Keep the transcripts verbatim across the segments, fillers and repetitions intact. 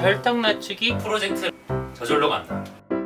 혈당 낮추기 프로젝트 저절로 간다.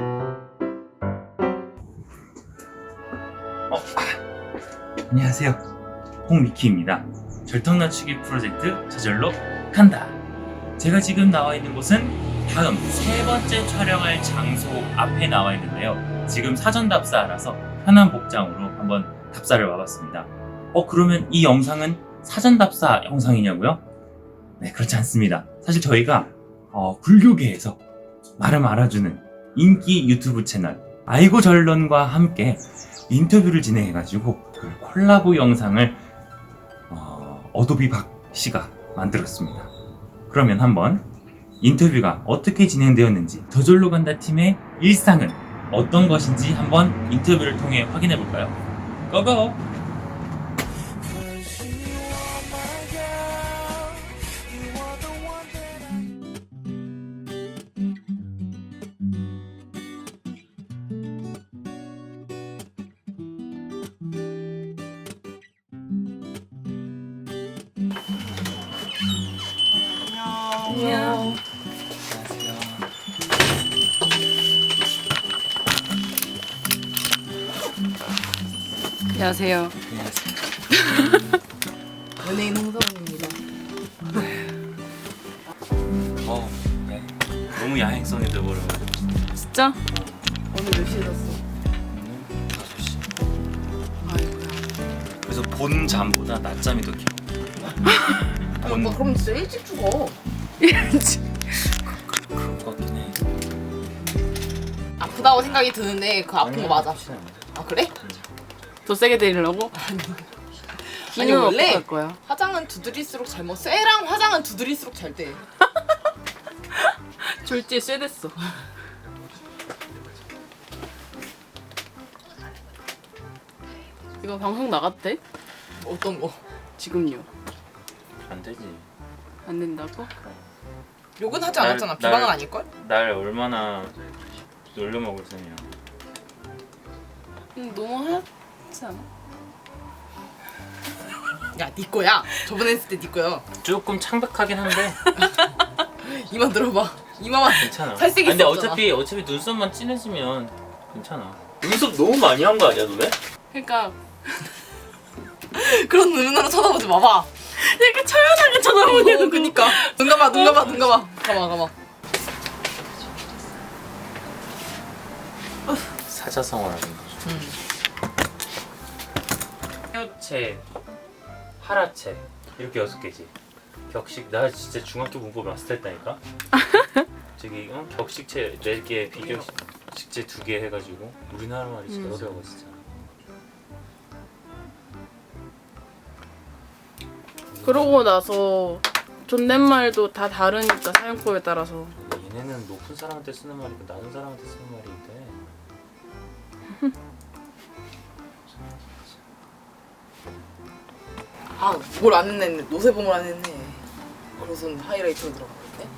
어. 안녕하세요, 홍미키입니다. 절통 낮추기 프로젝트 저절로 간다. 제가 지금 나와 있는 곳은 다음 세 번째 촬영할 장소 앞에 나와 있는데요. 지금 사전 답사라서 편한 복장으로 한번 답사를 와봤습니다. 어 그러면 이 영상은 사전 답사 영상이냐고요? 네, 그렇지 않습니다. 사실 저희가 어, 불교계에서 나름 알아주는 인기 유튜브 채널 아이고 전론과 함께 인터뷰를 진행해가지고 그 콜라보 영상을 어, 어도비 박 씨가 만들었습니다. 그러면 한번 인터뷰가 어떻게 진행되었는지, 저절로 간다 팀의 일상은 어떤 것인지 한번 인터뷰를 통해 확인해 볼까요? 고고! 안녕. 안녕하세요. 연예인 홍서원입니다. 어, 네. 너무 야행성이 돼버려가지고 진짜? 오늘 몇 시에 잤어? 다섯 시. 아이고야. 그래서 본 잠보다 낮잠이 더 길어. 본... 오빠 그럼 진짜 일찍 죽어. 이런지. 그럴 것 같긴 해. 아프다고 생각이 드는데 그 아픈 거 맞아. 아 그래? 더 세게 때리려고? 아니 기는 원래 어떡할 거야? 화장은 두드릴수록 잘 먹. 쇠랑 화장은 두드릴수록 잘 돼. 졸지에 쇠됐어. 이거 방송 나갔대? 어떤 거? 지금요. 안 되지. 안 된다고? 욕은 하지 날- 않았잖아. 날- 비방은 아닐걸? 날 얼마나 놀려먹을 셈이야. 응, 너무 하얗지 않아? 야, 네 거야. 저번에 했을 때 네 거야. 조금 창백하긴 한데 이마 들어봐. 이마만 괜찮아. 살색이 아니, 근데 있었잖아. 어차피 어차피 눈썹만 진해지면 괜찮아. 눈썹 너무 많이 한 거 아니야, 너네? 그러니까 그런 눈으로 쳐다보지 마봐. 이렇게 처연하게 쳐다보냐고. 어, 그니까. 눈 감아, 눈 감아, 눈 감아. 감아, 감아. 사자성어라는 거죠. 음. 하여체, 하라체 이렇게 여섯 개지. 격식 나 진짜 중학교 문법 마스터했다니까. 저기 어? 격식체 네 개, 비격식체 두 개 해가지고 우리나라 말이 진짜 음. 어려워 진짜. 그러고 나서 존댓말도 다 다르니까 사용법에 따라서. 얘네는 높은 사람한테 쓰는 말이고 낮은 사람한테 쓰는 말인데. 아, 뭘 안 했네. 노세범을 안 했네. 그래서 하이라이터로 들어가는데.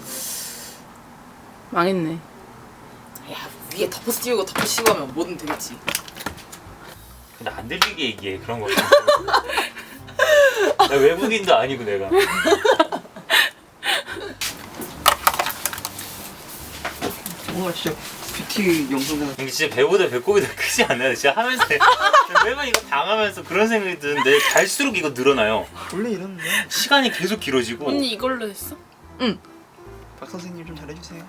망했네. 야, 위에 덮어 씌우고 덮어 씌우고 하면 뭐든 되겠지. 근데 안 들리게 얘기해 그런 거. 나 외국인도 아니고 내가. 뭔가 진짜 뷰티 영상들 근데 진짜 배보다 배꼽이 더 크지 않나요? 진짜 하면서 매번 이거 당하면서 그런 생각이 드는데 갈수록 이거 늘어나요. 원래 이러는데. 시간이 계속 길어지고. 언니 이걸로 했어? 박 선생님 좀 잘해주세요.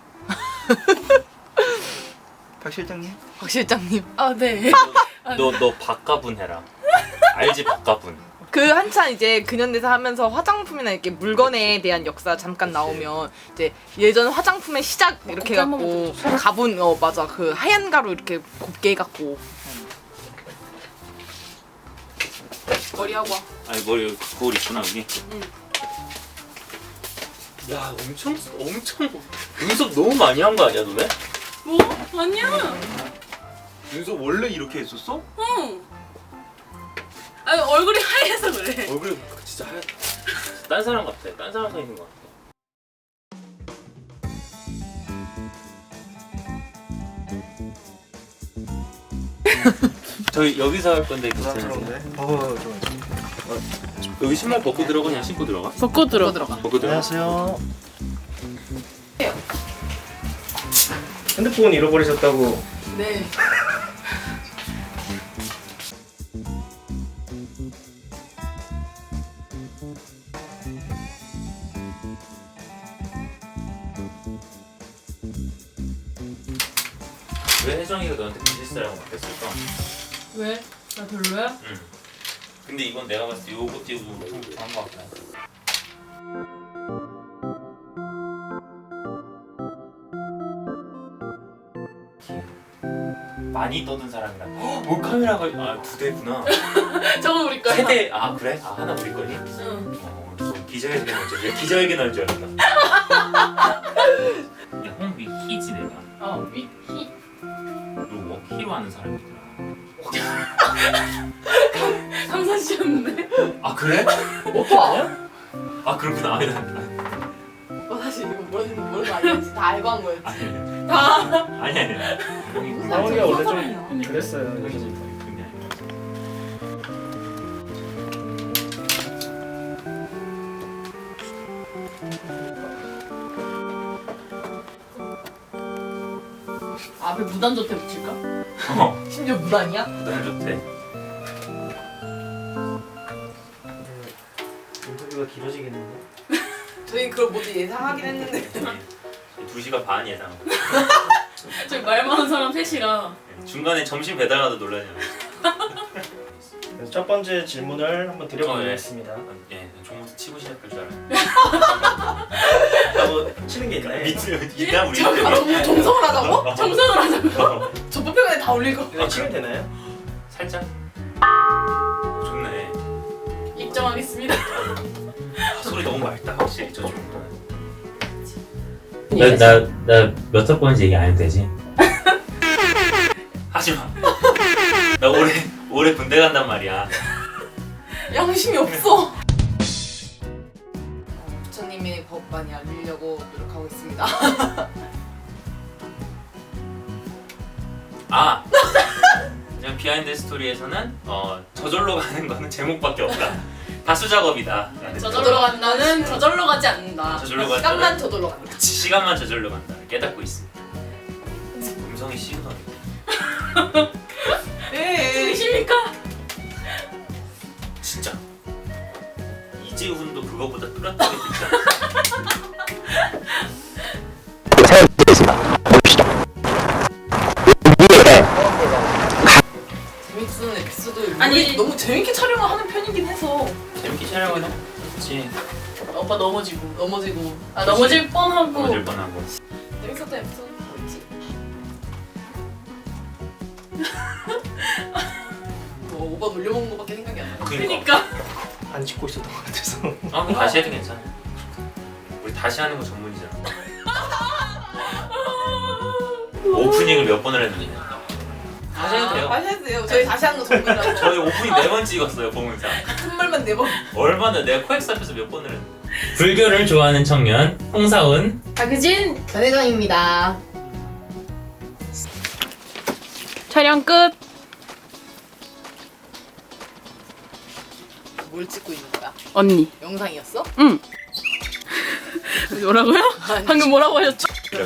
박 실장님. 박 실장님. 아 네. 너 너 박가분 해라. 알지 박가분. 그 한참 이제 근현대사 하면서 화장품이나 이렇게 물건에 대한 역사 잠깐 나오면 이제 예전 화장품의 시작 이렇게 곱게 한번 해갖고 가분 어 맞아 그 하얀 가루 이렇게 곱게 해갖고 머리 하고 와. 아니 머리 거울 있구나 여기. 야 엄청 엄청 눈썹 너무 많이 한 거 아니야 너네? 뭐? 아니야. 눈썹 원래 이렇게 했었어? 응. 아니 얼굴이 하얘서 그래. 얼굴이 진짜 하얗. 딴 사람 같아. 딴 사람 서 있는 거 같아. 저희 여기서 할 건데 괜찮으세요? 부담스러운데. 어, 좋아. 여기 신발 벗고 들어가 그냥 신고 들어가? 벗고 들어. 들어가. 벗고 들어가. 안녕하세요. 핸드폰 잃어버리셨다고. 네. 왜 혜정이가 너한테 비즈니스라고 맡겼을까? 왜? 나 별로야? 응. 근데 이건 내가 봤을 때 요거 띄우고 못부터 한 거 같아. 많이 떠든 사람이라. 헉, 몰카메라가 아 두 대구나. 저건 우리 거야. 세대. 아 그래? 아 하나 우리 거니? 응. 어, 저 기자회견 할줄 알았 기자회견 할 줄 알았나? 야, 홍비 키지 내가. 어, 위키. 너 키로 하는 사람이더라. 상사씨였는데? 아 그래? 오빠. 아 그렇구나. 아니 나 오빠 사실 이거 모르는 모르는 거 아니었지. 다 알고 한 거였지. 아니 아니 다. 아니 아니. 형이 상원이가 원래 사람이야. 좀 그랬어요. 형이 여기. 좀 그런 게 아니라. 앞에 무단조태 붙일까? 어. 심지어 무단이야? 너무 좋대. 인터뷰가 길어지겠는데. 저희 그걸 모두 예상하긴 했는데. 두 시간 반 예상. 저기 말 많은 사람 셋이라. 중간에 점심 배달하다 놀라냐. 그래서 첫 번째 질문을 한번 드려보겠습니다. 예, 종무서 치고 시작할 줄 알았는데. 뭐 치는 게 있나요? 밑에 있나 우리? 아, 정, 정성을 하자고? 정상을 하자고. 어, 저 뽑혀에 다 올릴 거. 이거 치면 되나요? 살짝. 좋네. 입장하겠습니다. 아, 소리 너무 맑다 확실히 저 정도는. 나나나 몇 학번인지 얘기 안 해도 되지? 하지 마. 나 올해 올해 군대 간단 말이야. 양심이 없어. 부처님의 법 많이 알리려고 노력하고 있습니다. 아 그냥 비하인드 스토리에서는 어 저절로 가는 거는 제목밖에 없다. 다수 작업이다. 저절로 간다는 저절로 가지 않는다. 저절로 시간만 간다는 저절로 간다. 시간만 저절로 간다. 깨닫고 있습니다. 음성이 시그널이. 네. 진심입니까? 진짜 이재훈도 그거보다 뚜렷하게 듣지 않았어? 재밌는 에피소드. 아니. 우리 너무 재밌게 촬영을 하는 편이긴 해서 재밌게 촬영은 했지. 오빠 넘어지고. 넘어지고. 아 넘어질 뻔하고. 넘어질 뻔하고. 재밌었던 에피소드 뭐 있지? 뭐 오빠 놀려먹는 거밖에 생각이 안 나. 그러니까. 그니까. 안 찍고 있었던 것 같아서. 아 그럼 다시 해도 괜찮아. 우리 다시 하는 거 전문이잖아. 오프닝을 몇 번을 했는데. 다시 해도 돼요. 다시 해도 돼요. 저희 다시 하는 거 전문이라고. 저희 오프닝 네 번 찍었어요 보문상. 같은 말만 네 번. 얼마나 내가 코엑스 앞에서 몇 번을 했는데. 불교를 좋아하는 청년 홍사운. 박유진. 전혜정입니다. 촬영 끝. 뭘 찍고 있는 거야? 언니. 영상이었어? 응. 뭐라고요? 아니. 방금 뭐라고 하셨죠?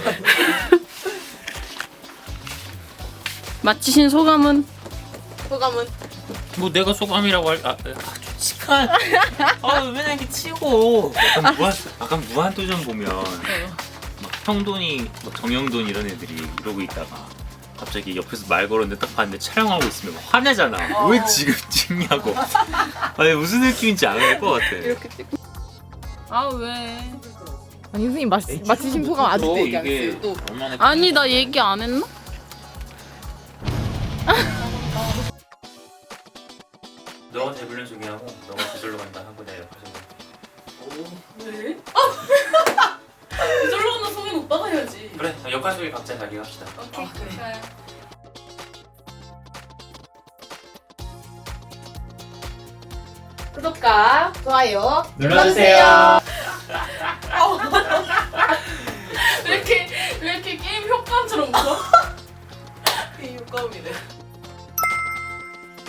마치신 소감은? 소감은? 뭐 내가 소감이라고 할. 아, 아 솔직한. 아 맨날 이렇게 치고. 약간 무한 약간 무한도전 보면 막 형돈이, 막 정영돈 이런 애들이 이러고 있다가 갑자기 옆에서 말 걸었는데 딱 봤는데 촬영하고 있으면 화내잖아. 어. 왜 지금 찍냐고. 아니 무슨 느낌인지 알 것 같아. 이렇게 찍고. 아 왜? 아니 선생님 마, 마치신 소감 아직도 얘기 안 했어요. 또 얼마나 아니 나 얘기 안 했나? 너가 데블린 소개하고 너가 저절로 간다 하고 내가 옆에서 왜? 저절로 간다 소개는 오빠가 해야지. 그래 역할 소개 각자 자기 합시다. 오케이. 아, 그래. 좋아요. 구독과 좋아요 눌러주세요. 왜 이렇게 왜 이렇게 게임 효과음처럼 웃어? 이 효과음이네.